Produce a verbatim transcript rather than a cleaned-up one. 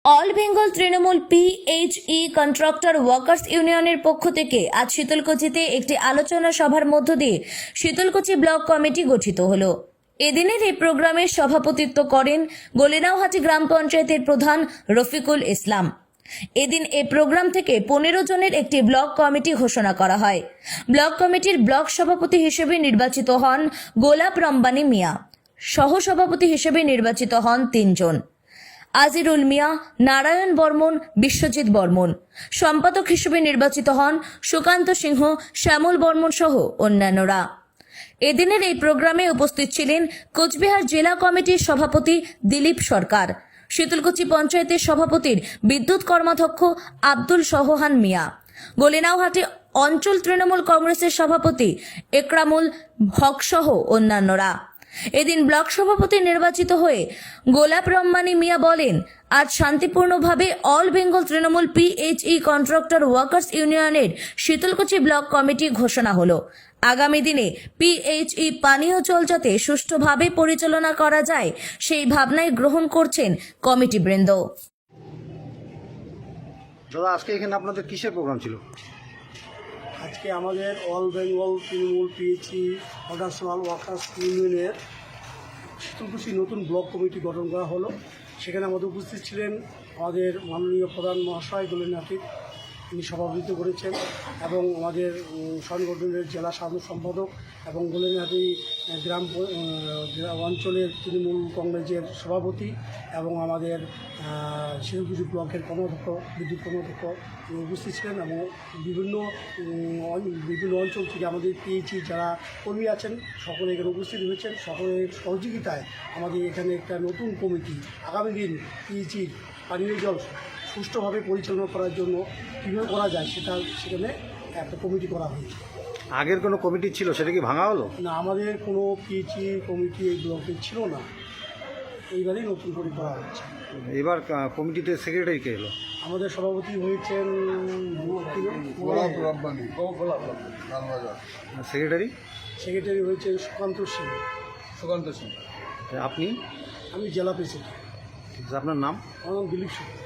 All Bengal Trinamool PHE contractor workers ইউনিয়নের পক্ষ থেকে আজ শীতলকুচিতে একটি আলোচনা সভার মধ্য দিয়ে শীতলকুচি ব্লক কমিটি গঠিত হলো। এদিনের এই প্রোগ্রামে সভাপতিত্ব করেন গলিনাওহাটি গ্রাম পঞ্চায়েতের প্রধান রফিকুল ইসলাম। এদিন এই প্রোগ্রাম থেকে পনেরো জনের একটি ব্লক কমিটি ঘোষণা করা হয়। ব্লক কমিটির ব্লক সভাপতি হিসেবে নির্বাচিত হন গোলাপ রম্বানী মিয়া। সহসভাপতি হিসেবে নির্বাচিত হন তিনজন: আজিরুল মিয়া, নারায়ণ বর্মন, বিশ্বজিৎ বর্মন। সম্পাদক হিসেবে নির্বাচিত হন সুকান্ত সিংহ, শ্যামল বর্মন সহ অন্যান্যরা। এদিনের এই প্রোগ্রামে উপস্থিত ছিলেন কোচবিহার জেলা কমিটির সভাপতি দিলীপ সরকার, শীতলকুচি পঞ্চায়েতের সভাপতির বিদ্যুৎ কর্মাধ্যক্ষ আব্দুল সহহান মিয়া, গলিনাওহাটি অঞ্চল তৃণমূল কংগ্রেসের সভাপতি একরামুল হক সহ অন্যান্যরা। এদিন ব্লক সভাপতি নির্বাচিত হয়ে গোলাপ রম্বানী মিয়া বলেন, আজ শান্তিপূর্ণভাবে all Bengal Trinamool PHE contractor workers ইউনিয়নের শীতলকুচি ব্লক কমিটি ঘোষণা হলো। আগামী দিনে পিএইচই পানীয় জল যাতে সুষ্ঠুভাবে পরিচালনা করা যায় সেই ভাবনায় গ্রহণ করছেন কমিটি বৃন্দ। দাদা, আজকে এখানে আপনাদের কিসের প্রোগ্রাম ছিল? আজকে আমাদের all Bengal Trinamool PHE contractual workers ইউনিয়নের শীতলকুচি নতুন ব্লক কমিটি গঠন করা হলো। সেখানে আমাদের উপস্থিত ছিলেন আমাদের মাননীয় প্রধান মহাশয় গলিনাওহাটি, তিনি সভাপতিত্ব করেছেন, এবং আমাদের সংগঠনের জেলা সাধারণ সম্পাদক এবং গলিনাওহাটি গ্রাম অঞ্চলের তৃণমূল কংগ্রেসের সভাপতি এবং আমাদের শীতলকুচি ব্লকের কর্মাধ্যক্ষ, বিদ্যুৎ কর্মাধ্যক্ষ উপস্থিত ছিলেন, এবং বিভিন্ন বিভিন্ন অঞ্চল থেকে আমাদের পিএইচই যারা কর্মী আছেন সকলে এখানে উপস্থিত হয়েছেন। সকলের সহযোগিতায় আমাদের এখানে একটা নতুন কমিটি আগামী দিন পিএইচির পানীয় জল সুষ্ঠুভাবে পরিচালনা করার জন্য কীভাবে করা যায় সেটা সেখানে একটা কমিটি করা হয়েছে। আগের কোনো কমিটি ছিল, সেটা কি ভাঙা হলো? না, আমাদের কোনো পিএইচই কমিটি এই ব্লকে ছিল না, এইবারেই নতুন করে করা হচ্ছে। এবার কমিটিতে সেক্রেটারি কে এলো? আমাদের সভাপতি হয়েছেন গোলাপ রব্বানী, সেক্রেটারি সেক্রেটারি হয়েছেন সুকান্ত সিং। সুকান্ত সিং। আপনি? আমি জেলা প্রেসিডেন্ট। আপনার নাম? আমার নাম দিলীপ সিং।